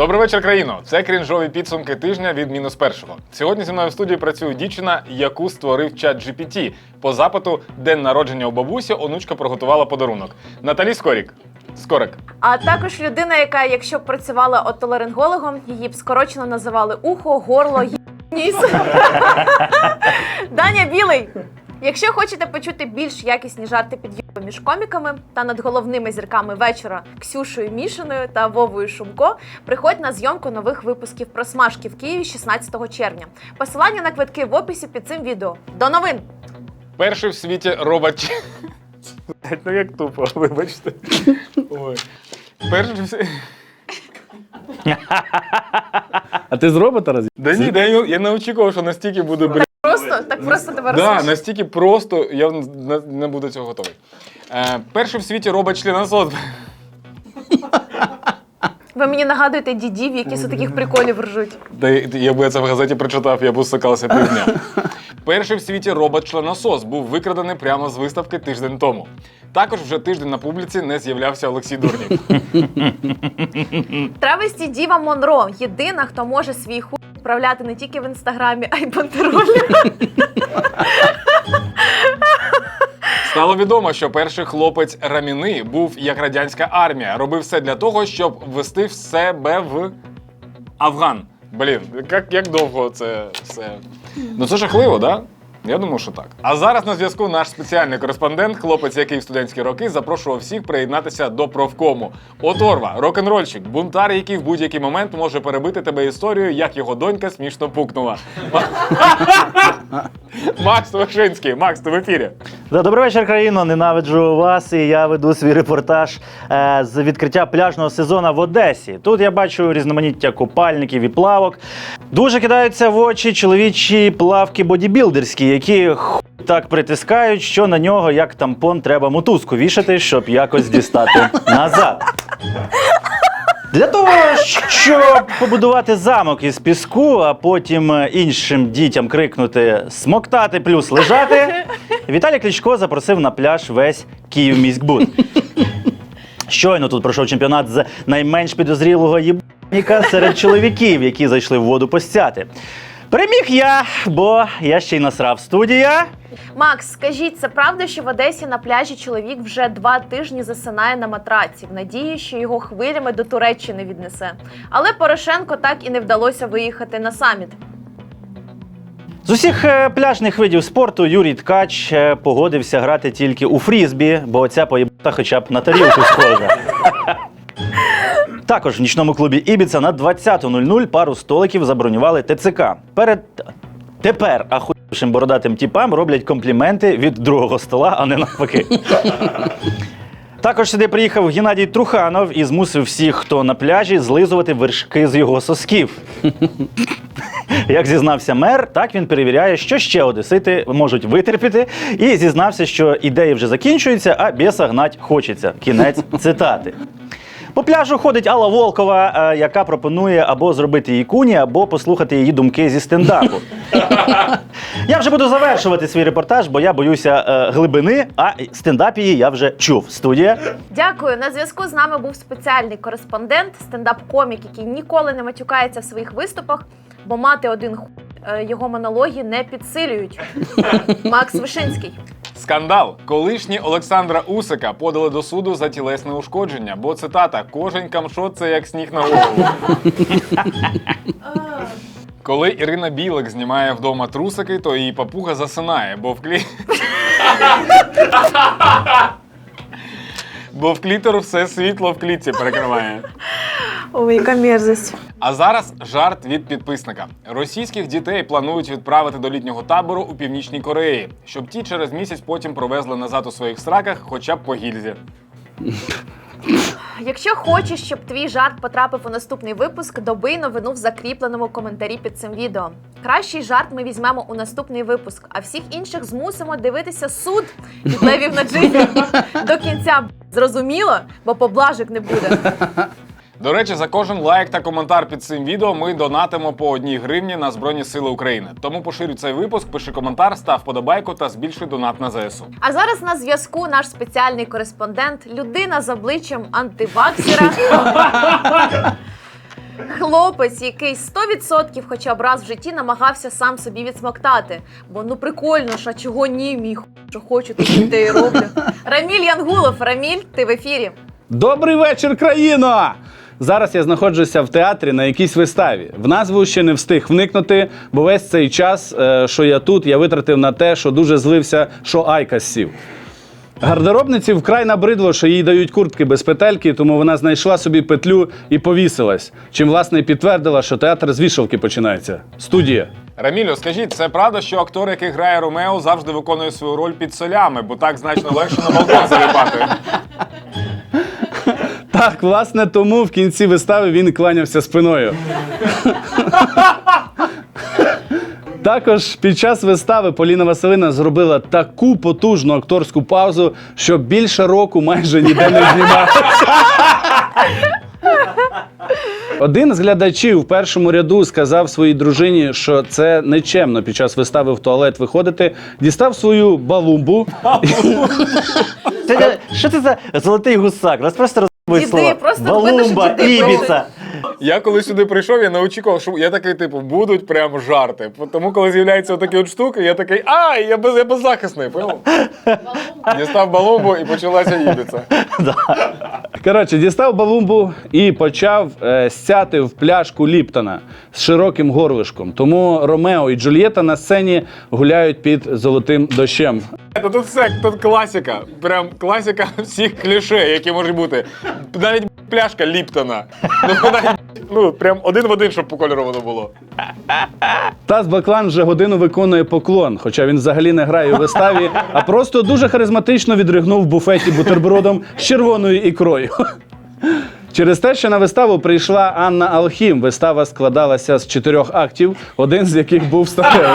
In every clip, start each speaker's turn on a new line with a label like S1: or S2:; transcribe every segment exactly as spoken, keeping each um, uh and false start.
S1: Добрий вечір, країно! Це крінжові підсумки тижня від мінус першого. Сьогодні зі мною в студії працює дівчина, яку створив чат джі пі ті. По запиту «День народження у бабусі» онучка приготувала подарунок. Наталі Скорік. Скорик.
S2: А також людина, яка, якщо б працювала отоларингологом, її б скорочено називали ухо, горло, ніс. Даня Білий. Якщо хочете почути більш якісні жарти під'їбу між коміками та над головними зірками вечора Ксюшею Мішиною та Вовою Шумко, приходь на зйомку нових випусків про смажки в Києві шістнадцятого червня. Посилання на квитки в описі під цим відео. До новин!
S1: Перший в світі робот... Ну як тупо, вибачте. Ой. Перший в світі...
S3: А ти з робота роз...
S1: Да ні, да, я не очікував, що настільки буде, блядь.
S2: Просто, так просто тебе
S1: Да,
S2: розсмішить.
S1: настільки просто, я не, не буду цього готовий. Е, перший в світі робот-членосос.
S2: Ви мені нагадуєте дідів, які з таких приколів ржуть.
S1: Та я би це в газеті прочитав, я б усикався півдня. Перший в світі робот-членосос був викрадений прямо з виставки тиждень тому. Також вже тиждень на публіці не з'являвся Олексій Дурнів.
S2: Травесті Діва Монро – єдина, хто може свій хуй вправляти не тільки в інстаграмі, а й бандеролі.
S1: Стало відомо, що перший хлопець Раміни був як радянська армія. Робив все для того, щоб ввести в себе в Афган. Блін, як, як довго це все? Ну це жахливо, да? Я думаю, що так. А зараз на зв'язку наш спеціальний кореспондент, хлопець, який в студентські роки запрошував всіх приєднатися до профкому. Оторва, рок-н-рольщик, бунтар, який в будь-який момент може перебити тебе історією, як його донька смішно пукнула. Макс Вишинський. Макс, ти в ефірі.
S3: Добрий вечір, країно. Ненавиджу вас, і я веду свій репортаж е, з відкриття пляжного сезону в Одесі. Тут я бачу різноманіття купальників і плавок. Дуже кидаються в очі чоловічі плавки бодібілдерські, які хуй так притискають, що на нього, як тампон, треба мотузку вішати, щоб якось дістати назад. Для того, щоб побудувати замок із піску, а потім іншим дітям крикнути «смоктати плюс лежати», Віталій Кличко запросив на пляж весь Київміськбуд. Щойно тут пройшов чемпіонат з найменш підозрілого єбаніка серед чоловіків, які зайшли в воду постяти. Переміг я, бо я ще й насрав. Студія.
S2: Макс, скажіть, це правда, що в Одесі на пляжі чоловік вже два тижні засинає на матраці, в надії, що його хвилями до Туреччини віднесе? Але Порошенко так і не вдалося виїхати на саміт.
S3: З усіх е, пляжних видів спорту Юрій Ткач е, погодився грати тільки у фрізбі, бо ця поєбата хоча б на тарілку схожа. Також в нічному клубі Ібіца на двадцяту нуль нуль пару столиків забронювали те це ка. Перед... Тепер ахуєвшим бородатим тіпам роблять компліменти від другого стола, а не навпаки. Також сюди приїхав Геннадій Труханов і змусив всіх, хто на пляжі, злизувати вершки з його сосків. Як зізнався мер, так він перевіряє, що ще одесити можуть витерпіти, і зізнався, що ідеї вже закінчуються, а біса гнать хочеться. Кінець цитати. По пляжу ходить Алла Волкова, яка пропонує або зробити її куні, або послухати її думки зі стендапу. Я вже буду завершувати свій репортаж, бо я боюся е, глибини, а стендап її я вже чув. Студія.
S2: Дякую. На зв'язку з нами був спеціальний кореспондент, стендап-комік, який ніколи не матюкається в своїх виступах, бо мати один хуй е, його монологи не підсилюють. Макс Вишинський.
S1: Скандал. Колишні Олександра Усика подали до суду за тілесне ушкодження, бо, цитата, «кожен камшот – це як сніг на голову». Коли Ірина Білик знімає вдома трусики, то її папуга засинає, бо в клі... бо в клітору все світло в клітці перекриває.
S2: Ой, яка мерзость.
S1: А зараз жарт від підписника. Російських дітей планують відправити до літнього табору у Північній Кореї, щоб ті через місяць потім провезли назад у своїх сраках хоча б по гільзі.
S2: Якщо хочеш, щоб твій жарт потрапив у наступний випуск, добий новину в закріпленому коментарі під цим відео. Кращий жарт ми візьмемо у наступний випуск, а всіх інших змусимо дивитися суд від левів на джині до кінця. Зрозуміло? Бо поблажок не буде.
S1: До речі, за кожен лайк та коментар під цим відео ми донатимо по одній гривні на Збройні Сили України. Тому поширюй цей випуск, пиши коментар, став подобайку та збільшуй донат на зе ес у.
S2: А зараз на зв'язку наш спеціальний кореспондент, людина з обличчям антиваксера. Хлопець, який сто відсотків хоча б раз в житті намагався сам собі відсмоктати. Бо ну прикольно ж, а чого ні, мій ху, що хочу, то що те і роблю. Раміль Янгулов. Раміль, ти в ефірі.
S4: Добрий вечір, країно! Зараз я знаходжуся в театрі на якійсь виставі. В назву ще не встиг вникнути, бо весь цей час, е, що я тут, я витратив на те, що дуже злився, що Айкос сів. Гардеробниці вкрай набридло, що їй дають куртки без петельки, тому вона знайшла собі петлю і повісилась. Чим, власне, і підтвердила, що театр з вішалки починається. Студія.
S1: Рамілю, скажіть, це правда, що актор, який грає Ромео, завжди виконує свою роль під солями, бо так значно легше на балкон заліпати?
S4: Так, власне, тому в кінці вистави він кланявся спиною. Також під час вистави Поліна Василина зробила таку потужну акторську паузу, що більше року майже ніде не знімалася. Один з глядачів в першому ряду сказав своїй дружині, що це нечемно під час вистави в туалет виходити, дістав свою балумбу.
S3: Це, що це за золотий гусак? Нас просто розбивають
S2: Діди,
S3: слова.
S2: просто
S3: Балумба,
S2: видно, що діди
S3: Ібіца.
S1: Я коли сюди прийшов, я не очікував, що я такий, типу, будуть прям жарти. Тому коли з'являються такі от штуки, я такий, ай, я, без, я беззахисний, понял? Дістав балумбу і почалася їбіця.
S4: Коротше, дістав балумбу і почав е, стяти в пляшку Ліптона з широким горлишком. Тому Ромео і Джульєта на сцені гуляють під золотим дощем.
S1: Та тут все, тут класика. Прям класика всіх кліше, які можуть бути. Навіть пляшка Ліптона. Ну, навіть, ну, прям один в один, щоб по кольору воно було.
S4: Тас Баклан вже годину виконує поклон, хоча він взагалі не грає у виставі, а просто дуже харизматично відригнув в буфеті бутербродом з червоною ікрою. Через те, що на виставу прийшла Анна Алхім. Вистава складалася з чотирьох актів, один з яких був статевий.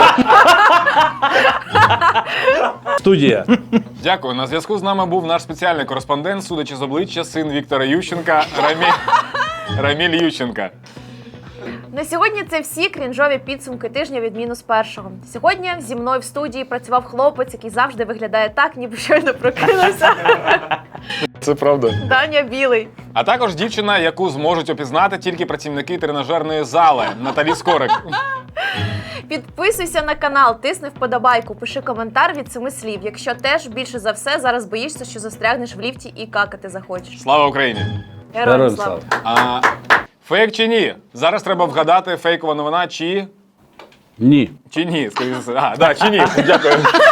S4: Студія.
S1: Дякую. На зв'язку з нами був наш спеціальний кореспондент, судячи з обличчя, син Віктора Ющенка, Раміль, Раміль Ющенка.
S2: На сьогодні це всі крінжові підсумки тижня від мінус першого. Сьогодні зі мною в студії працював хлопець, який завжди виглядає так, ніби щойно прокинувся.
S1: Це правда.
S2: Даня Білий.
S1: А також дівчина, яку зможуть опізнати тільки працівники тренажерної зали, Наталі Скорик.
S2: Підписуйся на канал, тисни вподобайку, пиши коментар від семи слів. Якщо теж більше за все зараз боїшся, що застрягнеш в ліфті і какати захочеш.
S1: Слава Україні!
S2: Героям
S4: Героям
S2: слава!
S1: А, фейк чи ні? Зараз треба вгадати, фейкова новина чи...
S4: Ні.
S1: Чи ні, скоріше за все. А, да, чи ні. Дякую.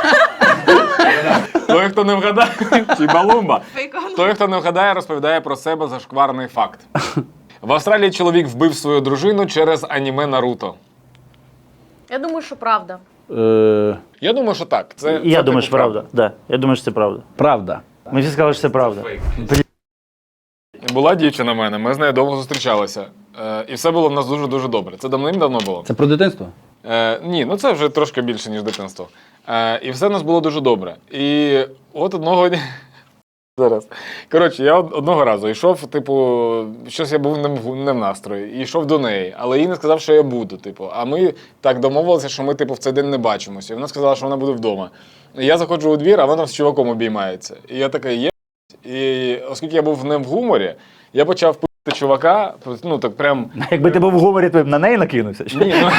S1: Той, хто не вгадає, чи балумба. Той, хто не вгадає, розповідає про себе зашкварний факт. В Австралії чоловік вбив свою дружину через аніме Наруто.
S2: Я думаю, що правда.
S4: Е,
S1: Я думаю, що так. Це,
S3: І я
S1: це
S3: думаю,
S1: типу
S3: що правда. Да, я думаю, що це правда.
S4: правда.
S3: Ми всі сказали, що це правда. Блін.
S1: Була дівчина в мене, ми з нею довго зустрічалися. Е, і все було в нас дуже-дуже добре. Це давним-давно було.
S4: Це про дитинство?
S1: Е, ні, ну це вже трошки більше, ніж дитинство. Е, і все в нас було дуже добре. І от одного дня. Зараз. Коротше, я од- одного разу йшов, типу, щось я був не в, не в настрої, і йшов до неї, але їй не сказав, що я буду. Типу. А ми так домовилися, що ми типу, в цей день не бачимося. І вона сказала, що вона буде вдома. І я заходжу у двір, а вона там з чуваком обіймається. І я такий, є. І оскільки я був не в гуморі, я почав пити чувака, ну так прям.
S3: Якби ти був в гуморі, то б на неї накинувся.
S1: Ні, ну.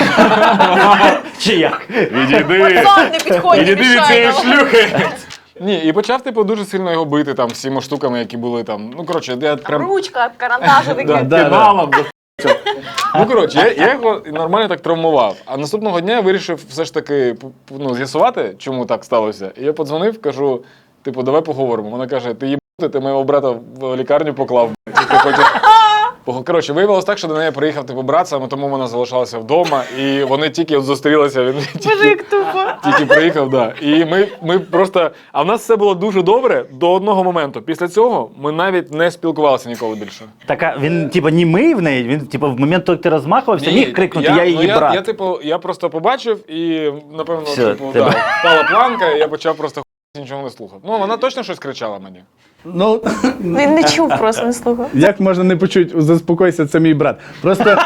S3: Чи як?
S1: Відійди!
S2: Пацан, не підходь, не
S1: Відійди від
S2: мішай
S1: цієї
S2: нам.
S1: шлюхи! Ні, і почав, типу, дуже сильно його бити там всіма штуками, які були там. Ну, коротше, я прям
S2: Ручка, карандаш такий.
S1: да,
S4: да.
S1: педалом. до х**ча. Ну, коротше, я, я його нормально так травмував. А наступного дня я вирішив все ж таки п- п- ну, з'ясувати, чому так сталося. І я подзвонив, кажу, типу, давай поговоримо. Вона каже, ти їбати, ти моєго брата в лікарню поклав, б***ь, чи ти хочеш... Пог- Коротше, виявилось так, що до неї приїхав типу брат, саме тому вона залишалася вдома, і вони тільки от зустрілися, він
S2: Боже,
S1: тільки,
S2: як тупо.
S1: тільки приїхав, да. І ми, ми просто. А в нас все було дуже добре до одного моменту. Після цього ми навіть не спілкувалися ніколи більше.
S3: Так, а він, типу, німий в неї? Він, типу, в момент, коли ти розмахувався, міг крикнути, я, її
S1: ну, я,
S3: брат.
S1: я, типу, я просто побачив і, напевно,
S3: Все,
S1: типу,
S3: тебе.
S1: да, впала планка, і я почав просто нічого не слухав. Ну, вона точно щось кричала мені.
S4: Ну,
S2: Він не чув, просто не слухав.
S4: як можна не почути, заспокойся, це мій брат. Просто,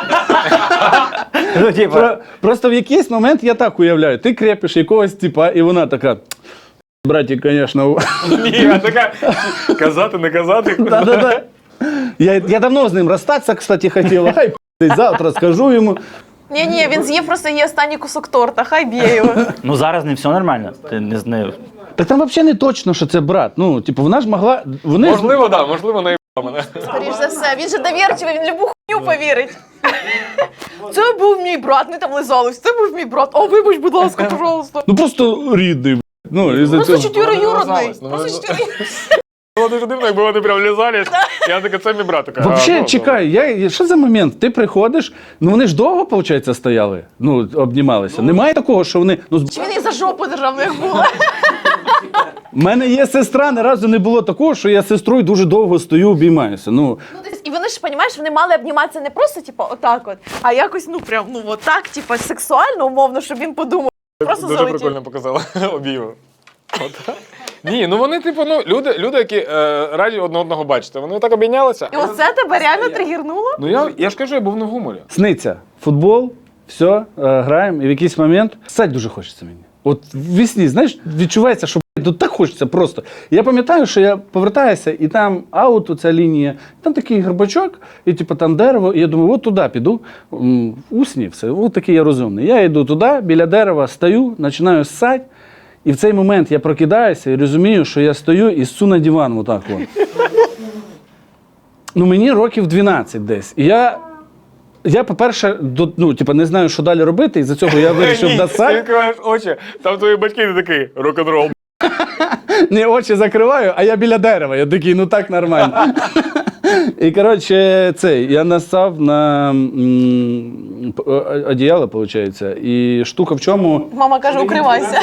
S3: Ну, типу,
S4: про, просто в якийсь момент я так уявляю, ти крепиш якогось типа, і вона така, братик, звісно.
S1: Ні, я така, казати, не казати.
S4: Да-да-да. Я, я давно з ним розстатися, кстати, хотіла. Хай завтра скажу йому.
S2: Ні, ні, він з'їв просто її останній кусок торта, хай б'є його.
S3: Ну зараз не все нормально. Ти не з нею.
S4: Так там взагалі не точно, що це брат. Ну, типу, вона ж могла. Вони
S1: Можливо, так, да, можливо, не мене.
S2: Скоріш за все, він же довірчивий, він любу хуйню повірить. Це був мій брат, не там лизались, це був мій брат. О, вибач, будь ласка, пожалуйста.
S4: Ну просто рідний. б***ь. Ну, із-за
S2: Просто
S4: цього.
S2: чотириюродний.
S1: Ну,
S2: Просто
S1: ну,
S2: чотириюродний.
S1: Було дуже дивно, якби вони прям лізались. Я така, це мій брат. Така,
S4: Вообще,
S1: а, ну,
S4: чекай, я, я- що за момент? Ти приходиш, ну вони ж довго, виходить, стояли, ну, обнімалися. Немає такого, що вони. Ну, з-
S2: Чи він її за жопу держав, ну як було?
S4: в мене є сестра, ні разу не було такого, що я з сестрою дуже довго стою, обіймаюся. Ну,
S2: Ну, десь- і вони ж, розумієш, вони мали обніматися не просто, типу, отак от, а якось, ну, прям, ну, отак, типу, сексуально, умовно, щоб він подумав. Просто
S1: Дуже
S2: залетів.
S1: прикольно показала обійму. От. Ні, ну вони, типу, ну, люди, люди які е, раді одне одного бачити, вони так обійнялися.
S2: І оце тебе реально тригернуло?
S1: Ну я, я ж кажу, я був не в гуморі.
S4: сниться, футбол, все, е, граємо, і в якийсь момент ссать дуже хочеться мені. От в вісні, знаєш, відчувається, що блядь, ну, так хочеться просто. Я пам'ятаю, що я повертаюся, і там аут, оця лінія, там такий горбачок, і типу там дерево, і я думаю, от туди піду, М, усні все, от такий я розумний. Я йду туди, біля дерева стою, починаю ссать, і в цей момент я прокидаюся і розумію, що я стою і ссу на диван отак от. Ну мені років дванадцять десь. І я, я по-перше, до, ну, типу, не знаю, що далі робити, і за цього я вирішив
S1: Ні, ти
S4: досать.
S1: відкриваєш очі, там твої батьки ти такий, рок-н-рол.
S4: Ні, очі закриваю, а я біля дерева. Я такий, ну так нормально. І коротше, цей, я насав на м, п- о- одіяло, виходить. І штука в чому.
S2: Мама каже, укривайся.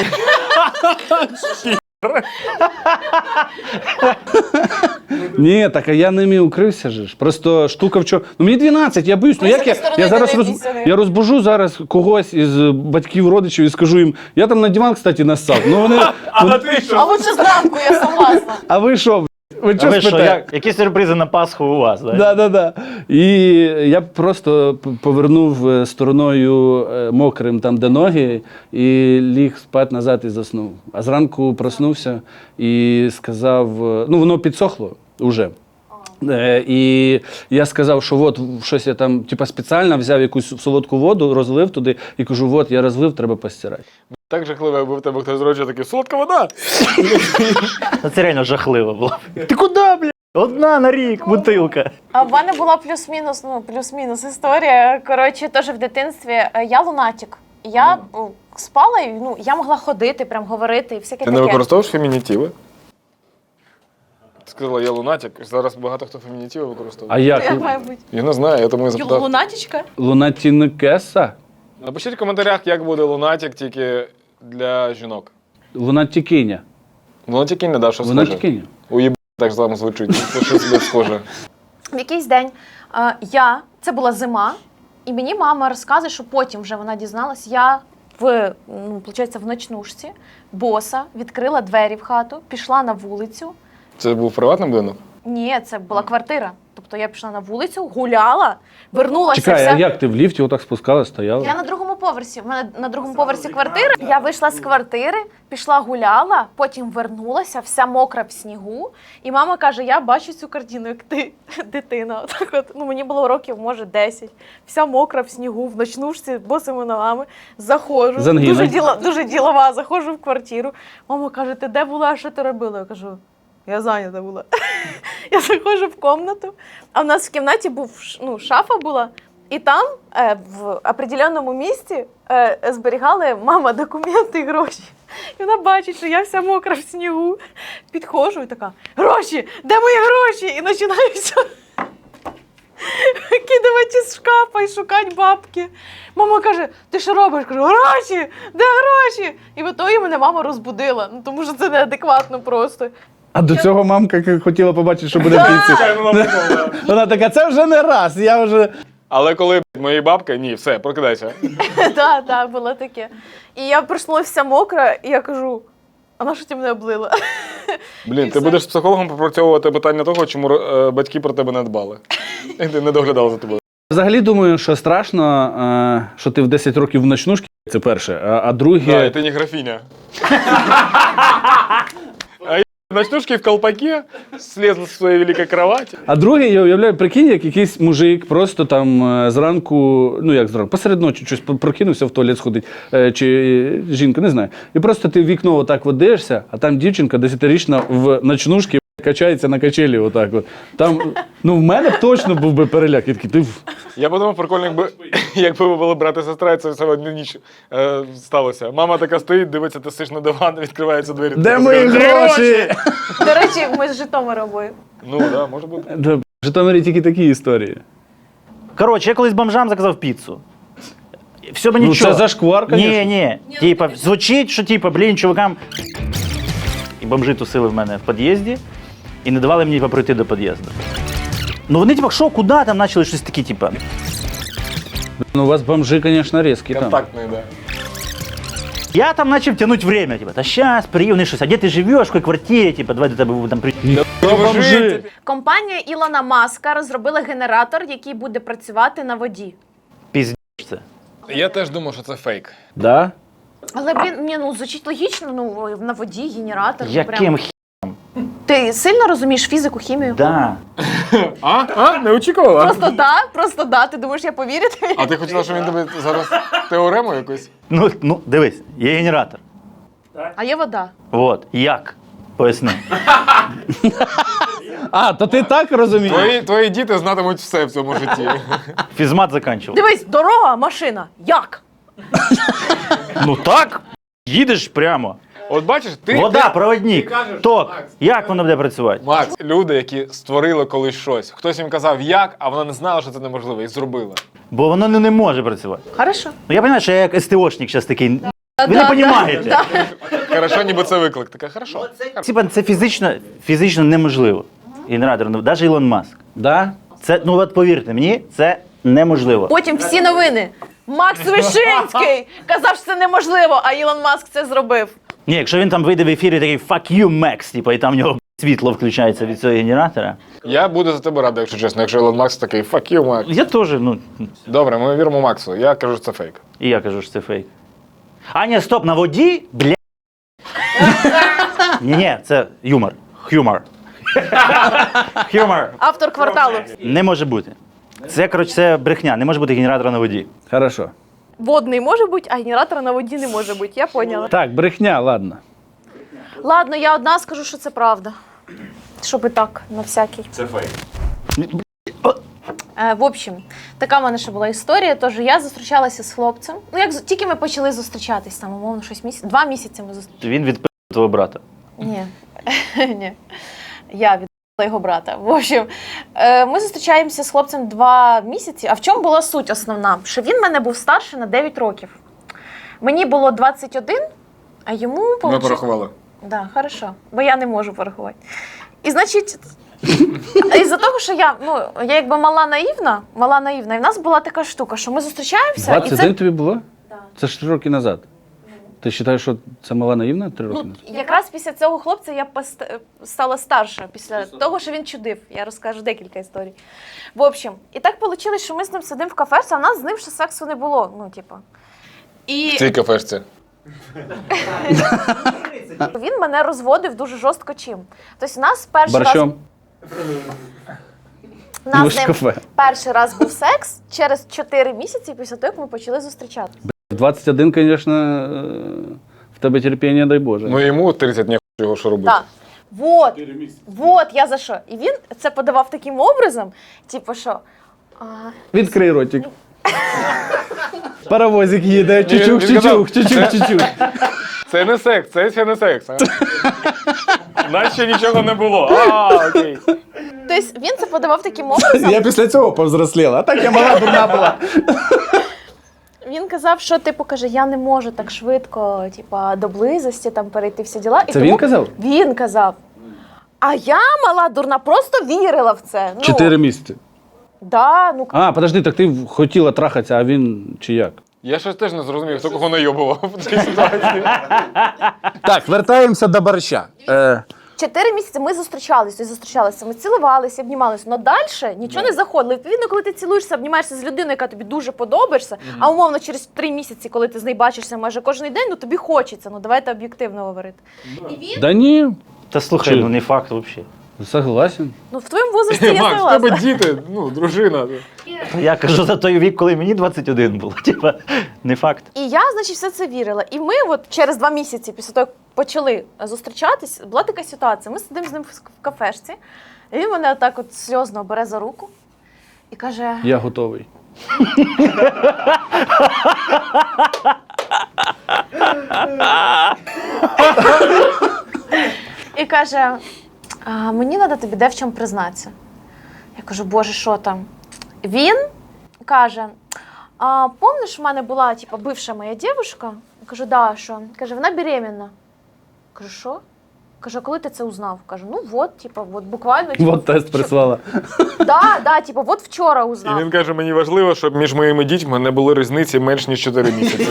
S4: Ні, так а я ними укрився же ж. Просто штука в чому. Ну мені дванадцять, я боюсь. Ну
S2: Ой, з
S4: як я,
S2: цієї
S4: я
S2: сторони
S4: зараз
S2: не
S4: роз...
S2: дивіться,
S4: я розбужу зараз когось із батьків, родичів і скажу їм, я там на диван, кстати, нассав. Ну вони.
S1: А ти що?
S2: А лучше зранку, я согласна.
S4: А ви що? Ви
S3: А
S4: що
S3: ви що,
S4: спите?
S3: як, які сюрпризи на Пасху у вас? Да?
S4: Да, да, да. І я просто п- повернув е, стороною е, мокрим там, де ноги, і ліг спати назад і заснув. А зранку проснувся і сказав: е, ну воно підсохло вже. Е, І я сказав, що от щось я там типа, спеціально взяв якусь солодку воду, розлив туди і кажу, от я розлив, треба постирати.
S1: Так жахливо, якби в тебе хтось зрочив такий, солодка вода.
S3: Ну, це реально жахливо було.
S4: Ти куди, бля?
S3: Одна на рік, бутилка.
S2: А в мене була плюс-мінус, ну, плюс-мінус історія. Коротше, теж в дитинстві. е, Я лунатик. Я е, спала, і ну, я могла ходити, прям говорити і всяке
S1: Ти
S2: таке.
S1: не використовуєш фемінітиви? Ти сказала, я лунатик. Зараз багато хто фемінітиви використовує.
S4: А як?
S2: Як має бути?
S1: Я не знаю, я тому і запитав.
S2: Лунатічка?
S4: Лунатінкеса?
S1: Напишіть в коментарях, як буде лунатик тільки для жінок.
S4: Лунатікиня.
S1: Лунатики не дав, що схоже.
S4: Лунатікиня.
S1: Уєб так само звучить. Це щось не схоже.
S2: В якийсь день е, я, це була зима, і мені мама розказує, що потім вже вона дізналась, я в, ну, виходить, в ночнушці, боса, відкрила двері в хату, пішла на вулицю.
S1: Це був приватний будинок?
S2: Ні, це була квартира. Тобто я пішла на вулицю, гуляла, вернулася.
S4: Чекай,
S2: все.
S4: а як ти в ліфті отак спускала, стояла?
S2: Я на другому поверсі. У мене на другому поверсі квартира. Я вийшла з квартири, пішла гуляла, потім вернулася, вся мокра в снігу. І мама каже: я бачу цю картину, як ти, дитина. Отак от, ну мені було років, може, десять. Вся мокра в снігу, в ночнушці, босими ногами. Заходжу.
S4: З ангіною.
S2: Дуже, діла, дуже ділова, заходжу в квартиру. Мама каже: ти де була, що ти робила? Я кажу: я зайнята була. Я заходжу в кімнату, а в нас в кімнаті був, ш- ну, шафа була, і там е, в определеному місці е, зберігали мама документи і гроші. І вона бачить, що я вся мокра в снігу. Підходжу і така: гроші, де мої гроші? І починаю все викидувати з шкафа і шукати бабки. Мама каже: ти що робиш? Кажу: гроші, де гроші? І в ітогі мене мама розбудила, ну, тому що це неадекватно просто.
S4: А до цього мамка к- хотіла побачити, що буде в кінці. Вона така, це вже не раз, я вже.
S1: Але коли мої бабки, ні, все, прокидайся.
S2: Так, так, було таке. І я проснулася вся мокра, і я кажу: а на що ти мене облила?
S1: Блін, ти будеш з психологом попрацьовувати питання того, чому е, батьки про тебе не дбали. І ти не доглядав за тобою.
S4: Взагалі думаю, що страшно, е, що ти в десять років в ночнушці, це перше, а, а друге.
S1: Да, і ти не графіня. ночнушки в колпаке, слез з своєї великої кровати.
S4: А другий, я уявляю, прикинь, як якийсь мужик просто там е, зранку, ну як зранку, посеред ночі щось прокинувся в туалет сходить, е, чи е, жінка, не знаю. І просто ти в вікно отак от дивишся, а там дівчинка десятирічна в ночнушці качається на качелі отак от. Там, ну в мене б точно був би переляк. Я такий, ти... в-
S1: Я подумав, прикольно, якби, якби ви були брат і сестра, і це все в одну ніч е, сталося. Мама така стоїть, дивиться, ти сиш на диван, відкриваються двері.
S4: Де
S1: Така,
S4: мої
S1: «Де
S4: гроші?
S2: До речі, ми з Житомира обоє.
S1: Ну, так, да, може бути.
S4: Да, в Житомирі тільки такі історії.
S3: Коротше, я колись бомжам заказав піцу. Все би
S4: Ну,
S3: нічого.
S4: це зашквар,
S3: Ні,
S4: конечно.
S3: ні. Типа, звучить, що типа, блін, чувакам. І бомжи тусили в мене в під'їзді і не давали мені пройти до під'їзду. Ну вони, типа, що, куди там почали щось таке, типа.
S4: Ну, у вас бомжи, звісно, різкі там.
S1: Контактний, да.
S3: Я там почав тягнути время, типа, та щас, приївни щось, а де ти живеш, в якій квартирі, типа, давай до тебе там приїдемо.
S4: Бомжи.
S2: Компанія Ілона Маска розробила генератор, який буде працювати на воді.
S3: Піздець це.
S1: Я теж думав, що це фейк.
S4: Да?
S2: Але, блін, ні, ну звучить логічно, ну на воді генератор. ну,
S3: Яким
S2: прям.
S3: хі...
S2: Ти сильно розумієш фізику, хімію?
S3: Да.
S1: А? А? Не очікувала?
S2: Просто да, просто да. Ти думаєш, я повірю тобі?
S1: А ти хотіла, щоб він тобі зараз теорему якусь?
S3: Ну, ну, дивись, є генератор.
S2: А є вода.
S3: От, як? Поясни.
S4: А, то ти так розумієш?
S1: Твої, твої діти знатимуть все в цьому житті.
S3: Фізмат закінчив.
S2: Дивись, дорога, машина. Як?
S3: Ну так, їдеш прямо.
S1: От бачиш, ти...
S3: Вода,
S1: ти-
S3: проводник,
S1: ти кажеш,
S3: ток.
S1: Макс,
S3: Як воно буде працювати?
S1: Макс, люди, які створили колись щось. Хтось їм казав як, а вона не знала, що це неможливо, і зробила.
S3: Бо воно не, не може працювати.
S2: Хорошо.
S3: Ну я розумію, що я як СТОшник зараз такий. Ви
S2: Да,
S3: не
S2: да,
S3: розумієте.
S2: да.
S1: Хорошо, ніби це виклик. Така, хорошо.
S3: Типа це фізично, фізично неможливо. Генератор, ну, навіть Ілон Маск.
S4: Да?
S3: Це, ну от повірте мені, це неможливо.
S2: Потім всі новини. Макс Вишинський казав, що це неможливо, а Ілон Маск це зробив.
S3: Ні, якщо він там вийде в ефірі такий fuck you, Max, типа, і там в нього світло включається від цього генератора.
S1: Я буду за тебе радий, якщо чесно. Якщо Ілон Макс такий, fuck you, Макс.
S3: Я теж, ну,
S1: Добре, ми віримо Максу. Я кажу, що це фейк.
S3: і я кажу, що це фейк. А ні, стоп, на воді, бля. Ні-ні, це юмор. Хюмор. Хюмор.
S2: Автор кварталу.
S3: Не може бути. Це, коротше, це брехня. Не може бути генератора на воді.
S4: Хорошо.
S2: Водний може бути, а генератора на воді не може бути. Я поняла.
S4: Так, брехня, ладно.
S2: Ладно, я одна скажу, що це правда. Щоб і так, на всякий.
S1: Це фейк.
S2: Е, в общем, така в мене ще була історія. Тож я зустрічалася з хлопцем. Ну, як з- тільки ми почали зустрічатись, там, умовно, щось місяць. Два місяці ми зустрічалися.
S3: Він відпив твого брата.
S2: Ні. Ні. Я віддала його брата. В общем, е, ми зустрічаємося з хлопцем два місяці. А в чому була суть основна? Що він мене був старше на дев'ять років. Мені було двадцять один, а йому
S1: Ми
S2: получ-
S1: порахували.
S2: Да, хорошо, бо я не можу порахувати. І значить, із-за того, що я, ну, я якби мала наївна, мала наївна, і в нас була така штука, що ми зустрічаємося, і
S4: двадцять один
S2: це
S4: тобі було?
S2: Да.
S4: Це ж три роки назад. Ти вважаєш, що це мала наївна три роки
S2: ну,
S4: назад?
S2: якраз після цього хлопця я пост- стала старша, після того, що він чудив. Я розкажу декілька історій. В общем, і так вийшло, що ми з ним сидимо в кафешці, а в нас з ним ще сексу не було. Ну, типу. І
S1: В цій кафешці.
S2: він мене розводив дуже жорстко чим. Тобто, у нас перший раз.
S4: Борщом?
S2: У нас
S4: Ну,
S2: з
S4: ж
S2: ним
S4: кафе.
S2: перший раз був секс через чотири місяці після того, як ми почали зустрічатися.
S4: В двадцять один, звісно, е, в тебе терпіння, дай Боже.
S1: Ну йому тридцять днів його що робити.
S2: Так. Вот, вот, я за що. І він це подавав таким образом, типу, що. А,
S4: Відкрий ротик. Паровозик їде,
S1: Ні,
S4: чучух,
S1: він казав,
S4: чучух, чучух, чучух.
S1: Це не секс, це ще не секс. а? Нас ще нічого не було. А, окей.
S2: тобто він це подавав таким образом.
S4: Я після цього повзросліла, а так я мала дурна була.
S2: Він казав, що типу каже, я не можу так швидко, типа, до близості там перейти всі діла. І
S4: Це
S2: тому
S4: він казав?
S2: Він казав. А я, мала дурна, просто вірила в це. Ну,
S4: Чотири місяці.
S2: Да, ну
S4: А, подожди, так ти хотіла трахатися, а він чи як?
S1: Я щось теж не зрозумів, хто кого найобував в цій ситуації.
S4: Так, вертаємося до борща. Е,
S2: Чотири місяці ми зустрічалися, зустрічалися, ми цілувалися, обнімалися, але далі нічого не заходило. Відповідно, коли ти цілуєшся, обнімаєшся з людиною, яка тобі дуже подобається, а умовно через три місяці, коли ти з нею бачишся майже кожен день, ну тобі хочеться, ну давайте об'єктивно говорити. І він
S4: Да ні.
S3: Та слухай,
S4: Чи-
S3: ну не факт взагалі.
S4: Согласен.
S2: Ну, в твоєму возрасті я
S1: Макс, в тебе
S2: согласна.
S1: діти, ну, дружина.
S3: Я кажу за той вік, коли мені двадцять один було. Типа, не факт.
S2: І я, значить, все це вірила. І ми от через два місяці після того, як почали зустрічатись, була така ситуація. Ми сидимо з ним в кафешці, і він мене отак от сльозно бере за руку і каже:
S4: Я готовий.
S2: і каже, а, мені треба тобі де в чому признатися. Я кажу, боже, що там? Він каже, а помниш, в мене була типу, бивша моя дівчинка? Я кажу, да, що? Каже, вона беременна. Кажу, що? Каже, а коли ти це узнав? Кажу, ну от, типу, от буквально. Типу,
S4: Вот тест прислала.
S2: Да, да, типу, от вчора
S1: І
S2: узнав.
S1: він каже, мені важливо, щоб між моїми дітьми не було різниці менш ніж чотири місяці.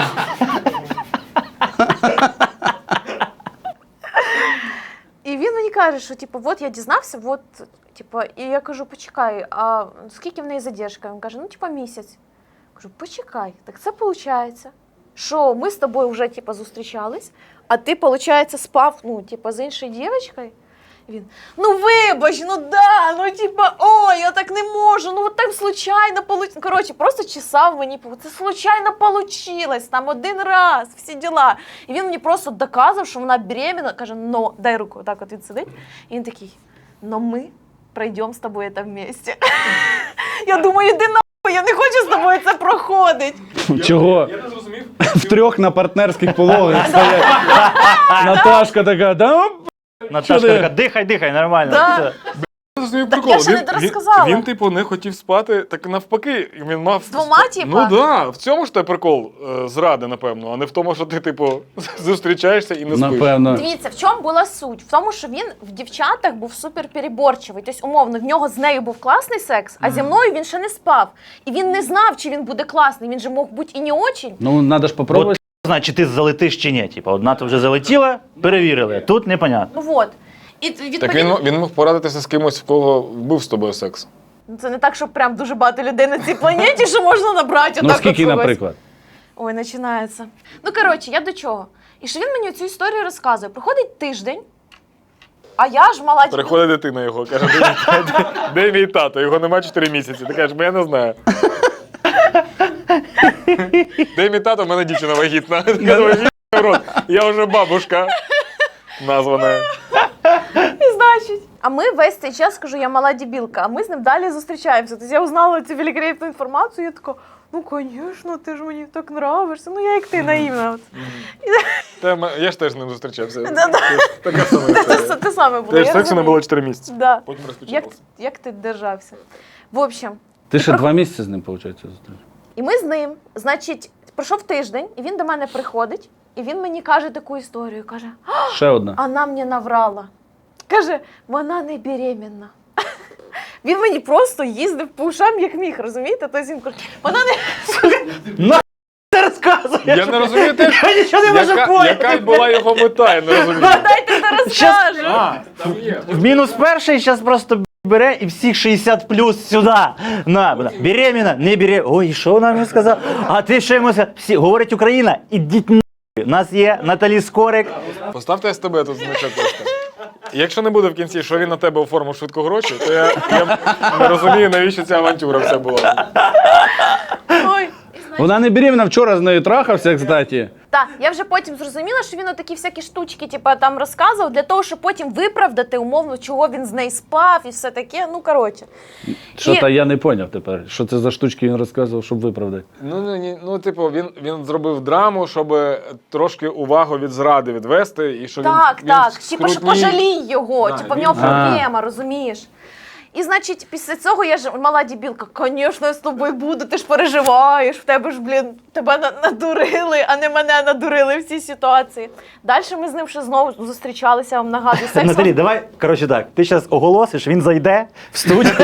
S2: І він мені каже, що типу, от я дізнався, от, типу, і я кажу, почекай, а скільки в неї задержка? Він каже, ну, типу, місяць. Кажу, почекай, так це виходить, що ми з тобою вже типу, зустрічались, а ти, виходить, спав, ну, типу, з іншою дівчинкою. І він, ну вибач, ну да, ну типа, ой, я так не можу, ну от так случайно получилось. Коротше, просто чесав мені, це случайно получилось, там один раз, всі діла. І він мені просто доказав, що вона беременна, каже, ну, дай руку, так от він сидить. І він такий, ну ми пройдемо з тобою це вместе. Я думаю, іди нахуй, я не хочу з тобою це проходити.
S4: Чого?
S1: Я не зрозумів.
S4: В трьох на партнерських пологах стоять. Наташка така, да?
S3: Наташка
S4: ти?
S3: така, дихай, дихай, нормально.
S2: Да.
S3: Все.
S1: Я не зрозумів
S2: Так
S1: прикол.
S2: я ще не
S1: Він-
S2: дорозказала.
S1: Він, він, типу, не хотів спати, так навпаки, він мав...
S2: З двома, типа?
S1: Ну да, в цьому ж те прикол е, зради, напевно, а не в тому, що ти, типу, зустрічаєшся і не спиш.
S4: Напевно.
S2: Дивіться, в чому була суть? В тому, що він в дівчатах був супер переборчивий. Тобто, умовно, в нього з нею був класний секс, а зі мною він ще не спав. І він не знав, чи він буде класний. Він же мог бути і не очень.
S4: Ну, треба ж попробувати.
S3: От, значить, ти залетиш чи ні. Типа, одна ти вже залетіла, перевірили. Тут непонятно.
S2: Ну от. І відповідно,
S1: Так він, він мог порадитися з кимось, в кого був з тобою секс.
S2: Ну, це не так, що прям дуже багато людей на цій планеті, що можна набрати.
S4: Ну,
S2: отак
S4: скільки,
S2: от когось.
S4: наприклад?
S2: Ой, починається. Ну, коротше, я до чого? І що він мені цю історію розказує. Проходить тиждень, а я ж мала...
S1: Приходить дитина його, каже, де, мій- де, де мій тато? Його нема чотири місяці. Ти кажеш, бо я не знаю. Де мій тато? В мене дівчина вагітна. Ти кажеш, «Ві**й рот, я вже бабушка названа.
S2: І значить. А ми весь цей час, кажу, я мала дебілка, а ми з ним далі зустрічаємося. Тобто я узнала цю великолепну інформацію, я така, ну, звісно, ти ж мені так нравишся. Ну, я як ти, наївна. От.
S1: Та м- я ж теж з ним зустрічався.
S2: Да-да.
S1: Така сама
S2: Те, те,
S1: історія.
S2: те саме було.
S1: Теж
S2: я
S1: сексу не
S2: розумію.
S1: було чотири місяці.
S2: Да.
S1: Потім
S2: Як,
S1: розпочалося.
S2: як ти держався? В общем,
S4: Ти ще два місяці з ним, виходить, зустріч.
S2: і ми з ним, значить, пройшов тиждень, і він до мене приходить, і він мені каже таку історію, каже,
S4: Ще одна.
S2: вона мені наврала. Каже, вона не беременна. Він мені просто їздив по ушам, як міг, розумієте? Тобто він каже, вона не...
S3: Ти розказуєш?
S1: Я не розумію теж,
S3: Я нічого не можу
S1: яка,
S3: поняти.
S1: яка була його мета, я не розумію.
S2: Дайте ти розкажу.
S1: А, там є.
S3: В мінус перший зараз просто бере і всіх шістдесят плюс сюди. На, вона, беременна, не беременна. Ой, що вона мені сказала? А ти що йому сказав? Всі, говорить Україна, ідіть на. У нас є Наталі Скорик.
S1: Поставте з тебе тут значок просто. Якщо не буде в кінці, що він на тебе оформив швидко гроші, то я, я не розумію, навіщо ця авантюра вся була.
S2: Ой.
S4: Вона не беременна, вчора з нею трахався, кстати.
S2: Так, я вже потім зрозуміла, що він отакі всякі штучки, типу, там розказував, для того, щоб потім виправдати умовно, чого він з нею спав і все таке. Ну, коротше.
S4: Що
S2: І-
S4: то я не зрозумів тепер. Що це за штучки він розказував, щоб виправдати?
S1: Ну, ну, ні, ну типу, він, він зробив драму, щоб трошки увагу від зради відвести. І що
S2: Так,
S1: він,
S2: так.
S1: він
S2: Типу, що
S1: скрутній.
S2: пожалій його,
S1: Да,
S2: типу, в
S1: він-
S2: нього
S4: А.
S2: проблема, розумієш? І, значить, після цього я ж мала дебілка, звісно, я з тобою буду, ти ж переживаєш, в тебе ж, блін, тебе на- надурили, а не мене надурили в цій ситуації. Далі ми з ним ще знову зустрічалися, я вам нагадую, сексом.
S3: Наталі, давай, коротше так, ти зараз оголосиш, він зайде в студію.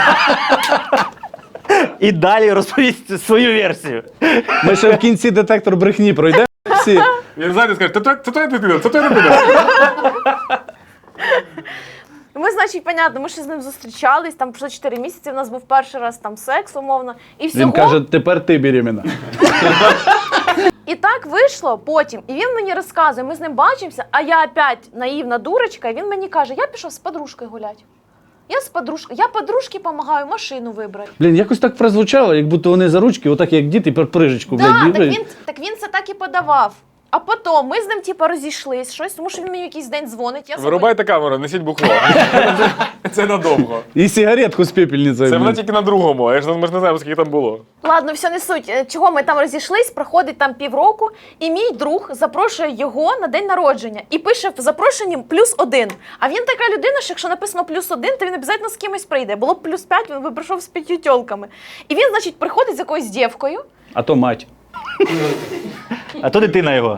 S3: І далі розповість свою версію.
S4: Ми ще в кінці детектор брехні пройдемо всі.
S1: Він зайде і скаже, це твоя це твоя дитина, це твоя дитина.
S2: Ми, значить, понятно, ми ще з ним зустрічались, там пройшло чотири місяці, у нас був перший раз там секс, умовно. І всього,
S4: Він каже, тепер ти беременна.
S2: і І так вийшло потім. І він мені розказує, ми з ним бачимося, а я опять наївна дурочка, і він мені каже, я пішов з подружкою гуляти. Я з подружкою, я подружці допомагаю машину вибрати.
S4: Блін, якось так прозвучало, як будто вони за ручки, отак як діти, пер прижечку, блядь,
S2: Да, так
S4: біжать.
S2: він, так він це так і подавав. А потім ми з ним типу, розійшлись, щось, тому що він мені якийсь день дзвонить. Я
S1: Вирубайте камеру, несіть бухло. Це надовго.
S4: І сигаретку з пепельницею.
S1: Це вона
S4: блін.
S1: тільки на другому, а я ж ми ж не знаємо, скільки там було.
S2: Ладно, все не суть. Е, Чого ми там розійшлись, проходить там півроку, і мій друг запрошує його на день народження і пише в запрошенні плюс один. А він така людина, що якщо написано плюс один, то він обов'язково з кимось прийде. Було б плюс п'ять, він би прийшов з п'ятью тьолками. І він, значить, приходить з якоюсь дівкою.
S4: А то мать.
S3: А то дитина його.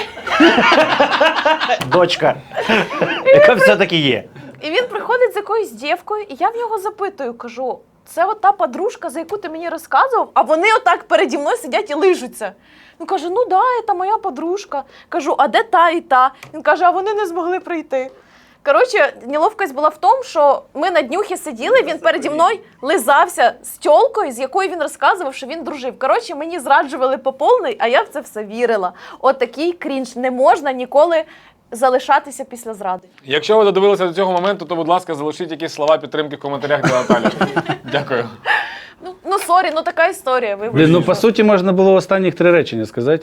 S3: Дочка. Яка все-таки є.
S2: І він приходить з якоюсь дівкою, і я в нього запитую, кажу, це от та подружка, за яку ти мені розказував, а вони отак переді мною сидять і лижуться. Він каже, ну да, це моя подружка. Кажу, а де та і та? Він каже, а вони не змогли прийти. Коротше, неловкость була в тому, що ми на днюхі сиділи, він переді мною лизався з тьолкою, з якою він розказував, що він дружив. Коротше, мені зраджували по повній, а я в це все вірила. От такий крінж. Не можна ніколи залишатися після зради.
S1: Якщо ви додивилися до цього моменту, то, будь ласка, залишіть якісь слова підтримки в коментарях для Наталі. Дякую.
S2: Ну, ну сорі, ну така історія. Вибачте.
S4: Блін, ну по суті можна було останніх три речення сказати.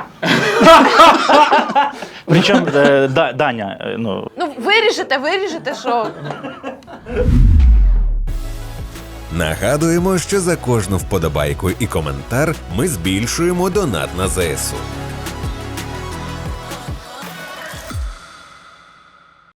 S3: Причому е, да, Даня, е, ну,
S2: Ну, виріжете, виріжете, що...
S5: Нагадуємо, що за кожну вподобайку і коментар ми збільшуємо донат на ЗСУ.